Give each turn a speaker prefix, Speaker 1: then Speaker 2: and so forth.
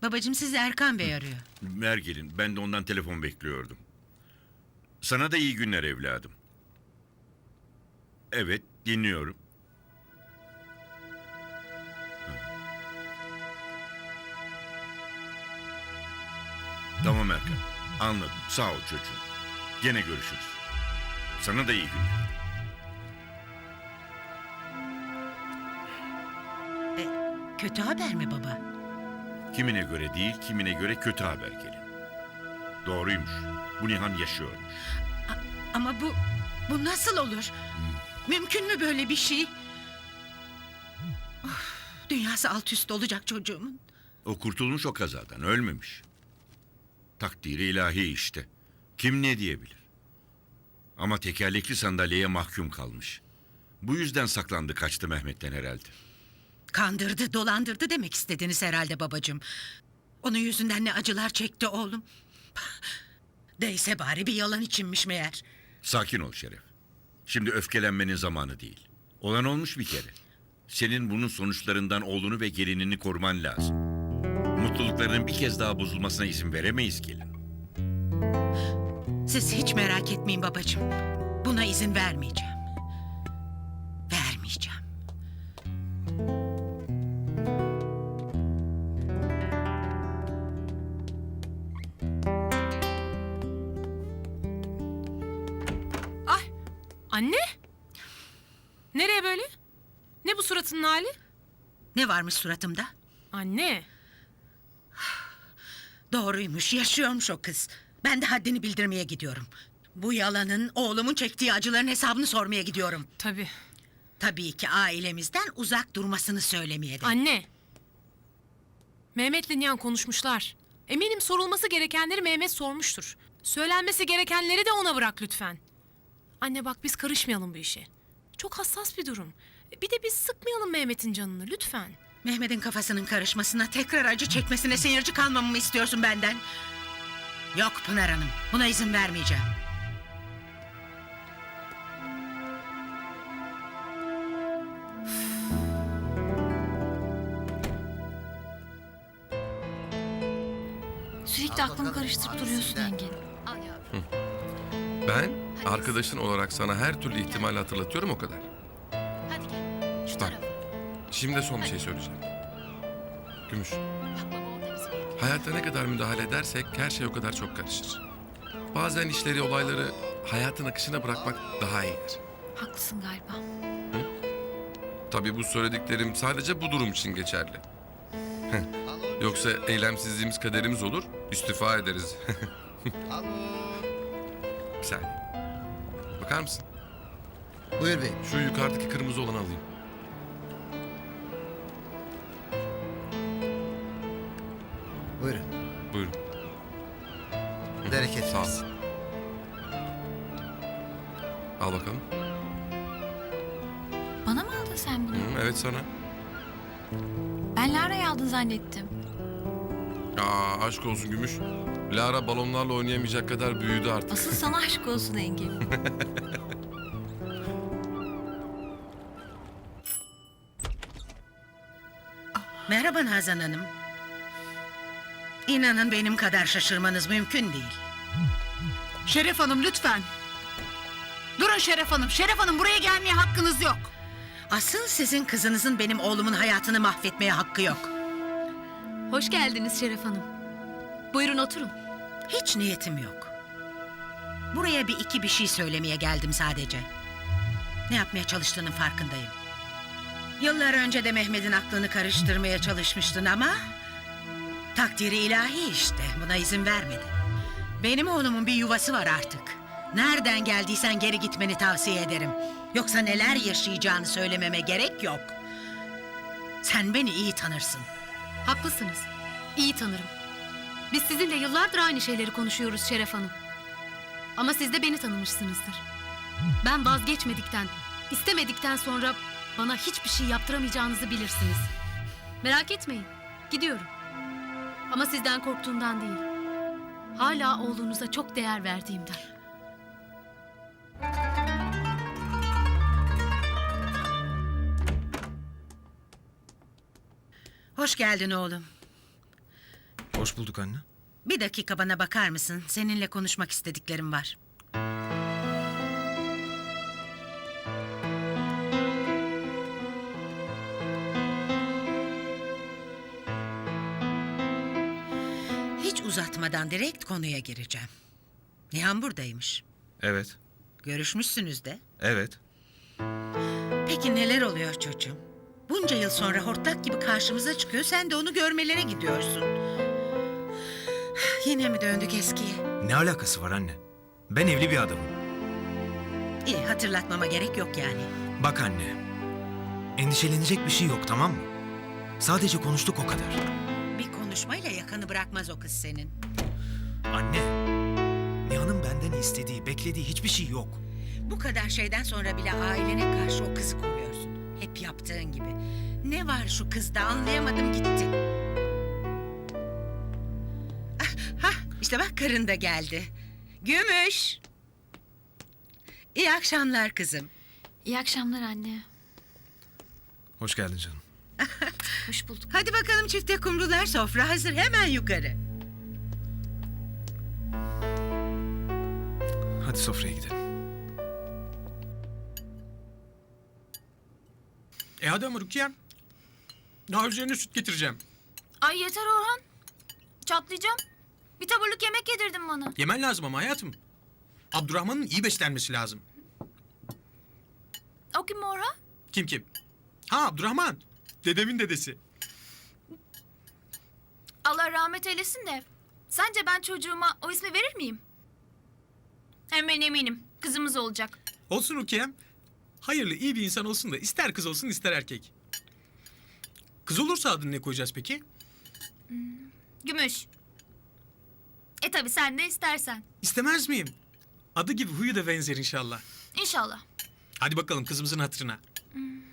Speaker 1: Babacığım sizi Erkan Bey arıyor.
Speaker 2: Ver gelin. Ben de ondan telefon bekliyordum. Sana da iyi günler evladım. Evet, dinliyorum. Tamam Erkan. Anladım. Sağ ol çocuğum. Gene görüşürüz. Sana da iyi günler.
Speaker 1: Kötü haber mi baba?
Speaker 2: Kimine göre değil, kimine göre kötü haber gelin. Doğruymuş. Bu Nihan yaşıyormuş.
Speaker 1: Ama bu nasıl olur? Mümkün mü böyle bir şey? Of, dünyası alt üst olacak çocuğumun.
Speaker 2: O kurtulmuş o kazadan, ölmemiş. Takdiri ilahi işte. Kim ne diyebilir? Ama tekerlekli sandalyeye mahkum kalmış. Bu yüzden saklandı, kaçtı Mehmet'ten herhalde.
Speaker 1: Kandırdı, dolandırdı demek istediniz herhalde babacığım. Onun yüzünden ne acılar çekti oğlum. Değse bari bir yalan içinmiş meğer.
Speaker 2: Sakin ol Şeref. Şimdi öfkelenmenin zamanı değil. Olan olmuş bir kere. Senin bunun sonuçlarından oğlunu ve gelinini koruman lazım. Mutluluklarının bir kez daha bozulmasına izin veremeyiz gelin.
Speaker 1: Siz hiç merak etmeyin babacığım. Buna izin vermeyeceğim. Vermeyeceğim.
Speaker 3: Anne? Nereye böyle? Ne bu suratının hali?
Speaker 1: Ne varmış suratımda?
Speaker 3: Anne.
Speaker 1: Doğruymuş, yaşıyormuş o kız. Ben de haddini bildirmeye gidiyorum. Bu yalanın, oğlumun çektiği acıların hesabını sormaya gidiyorum.
Speaker 3: Tabii.
Speaker 1: Tabii ki ailemizden uzak durmasını söylemeye de.
Speaker 3: Anne. Mehmet'le Nihan konuşmuşlar. Eminim sorulması gerekenleri Mehmet sormuştur. Söylenmesi gerekenleri de ona bırak lütfen. Anne bak biz karışmayalım bu işe. Çok hassas bir durum. Bir de biz sıkmayalım Mehmet'in canını lütfen.
Speaker 1: Mehmet'in kafasının karışmasına, tekrar acı çekmesine seyirci kalmamı mı istiyorsun benden? Yok Pınar Hanım, buna izin vermeyeceğim.
Speaker 4: Sürekli aklımı karıştırıp duruyorsun Engin.
Speaker 5: Ben arkadaşın olarak sana her türlü ihtimali hatırlatıyorum o kadar.
Speaker 4: Hadi gel. Şu
Speaker 5: Bak,
Speaker 4: tarafa.
Speaker 5: şimdi de son bir şey söyleyeceğim. Gümüş,
Speaker 4: Bak baba orada bizi bekliyor.
Speaker 5: hayatta ne kadar müdahale edersek her şey o kadar çok karışır. Bazen işleri, olayları hayatın akışına bırakmak daha iyidir.
Speaker 4: Haklısın galiba.
Speaker 5: Tabii bu söylediklerim sadece bu durum için geçerli. Yoksa eylemsizliğimiz kaderimiz olur, istifa ederiz. Bir saniye. Bakar mısın?
Speaker 6: Buyur bey.
Speaker 5: Şu yukarıdaki kırmızı olanı alayım.
Speaker 6: Buyurun.
Speaker 5: Buyurun.
Speaker 6: Bereket
Speaker 5: Sağ ol.
Speaker 6: versin.
Speaker 5: Al bakalım.
Speaker 4: Bana mı aldın sen bunu?
Speaker 5: Evet sana.
Speaker 4: Ben Lara'yı aldın zannettim.
Speaker 5: Aa, aşk olsun Gümüş. Lara balonlarla oynayamayacak kadar büyüdü artık.
Speaker 4: Asıl sana aşk olsun Engin.
Speaker 1: Merhaba Nazan Hanım. İnanın benim kadar şaşırmanız mümkün değil.
Speaker 7: Şeref Hanım lütfen. Durun Şeref Hanım. Şeref Hanım buraya gelmeye hakkınız yok.
Speaker 1: Asıl sizin kızınızın benim oğlumun hayatını mahvetmeye hakkı yok.
Speaker 8: Hoş geldiniz Şeref Hanım. Buyurun oturun.
Speaker 1: Hiç niyetim yok. Buraya bir şey söylemeye geldim sadece. Ne yapmaya çalıştığının farkındayım. Yıllar önce de Mehmet'in aklını karıştırmaya çalışmıştın ama... takdiri ilahi işte, buna izin vermedin. Benim oğlumun bir yuvası var artık. Nereden geldiysen geri gitmeni tavsiye ederim. Yoksa neler yaşayacağını söylememe gerek yok. Sen beni iyi tanırsın.
Speaker 8: Haklısınız. İyi tanırım. Biz sizinle yıllardır aynı şeyleri konuşuyoruz Şeref Hanım. Ama siz de beni tanımışsınızdır. Ben vazgeçmedikten, istemedikten sonra bana hiçbir şey yaptıramayacağınızı bilirsiniz. Merak etmeyin. Gidiyorum. Ama sizden korktuğumdan değil. Hala oğlunuza çok değer verdiğimden.
Speaker 1: Hoş geldin oğlum.
Speaker 9: Hoş bulduk anne.
Speaker 1: Bir dakika bana bakar mısın? Seninle konuşmak istediklerim var. Hiç uzatmadan direkt konuya gireceğim. Nihan buradaymış.
Speaker 9: Evet.
Speaker 1: Görüşmüşsünüz de.
Speaker 9: Evet.
Speaker 1: Peki neler oluyor çocuğum? Bunca yıl sonra hortlak gibi karşımıza çıkıyor. Sen de onu görmelere gidiyorsun. Yine mi döndük eskiye?
Speaker 9: Ne alakası var anne? Ben evli bir adamım.
Speaker 1: İyi, hatırlatmama gerek yok yani.
Speaker 9: Bak anne. Endişelenecek bir şey yok, tamam mı? Sadece konuştuk, o kadar.
Speaker 1: Bir konuşmayla yakanı bırakmaz o kız senin.
Speaker 9: Anne. Nihan'ın benden istediği, beklediği hiçbir şey yok.
Speaker 1: Bu kadar şeyden sonra bile ailene karşı o kızı koruyorsun. Hep yaptığın gibi. Ne var şu kızda, anlayamadım gitti. İşte bak, karın da geldi. Gümüş. İyi akşamlar kızım.
Speaker 4: İyi akşamlar anne.
Speaker 9: Hoş geldin canım.
Speaker 4: Hoş bulduk.
Speaker 1: Hadi bakalım çifte kumrular, sofra hazır, hemen yukarı.
Speaker 9: Hadi sofraya gidelim.
Speaker 10: Hadi ama Rukiye'm. Daha üzerine süt getireceğim.
Speaker 11: Ay yeter Orhan. Çatlayacağım. Bir taburluk yemek yedirdin bana.
Speaker 10: Yemen lazım ama hayatım. Abdurrahman'ın iyi beslenmesi lazım.
Speaker 11: O kim Orhan?
Speaker 10: Kim? Ha, Abdurrahman. Dedemin dedesi.
Speaker 11: Allah rahmet eylesin de. Sence ben çocuğuma o ismi verir miyim? Hem ben eminim. Kızımız olacak.
Speaker 10: Olsun Rukiye'm. Hayırlı, iyi bir insan olsun da ister kız olsun ister erkek. Kız olursa adını ne koyacağız peki?
Speaker 11: Gümüş. Tabi sen de istersen.
Speaker 10: İstemez miyim? Adı gibi huyu da benzer inşallah.
Speaker 11: İnşallah.
Speaker 10: Hadi bakalım kızımızın hatırına.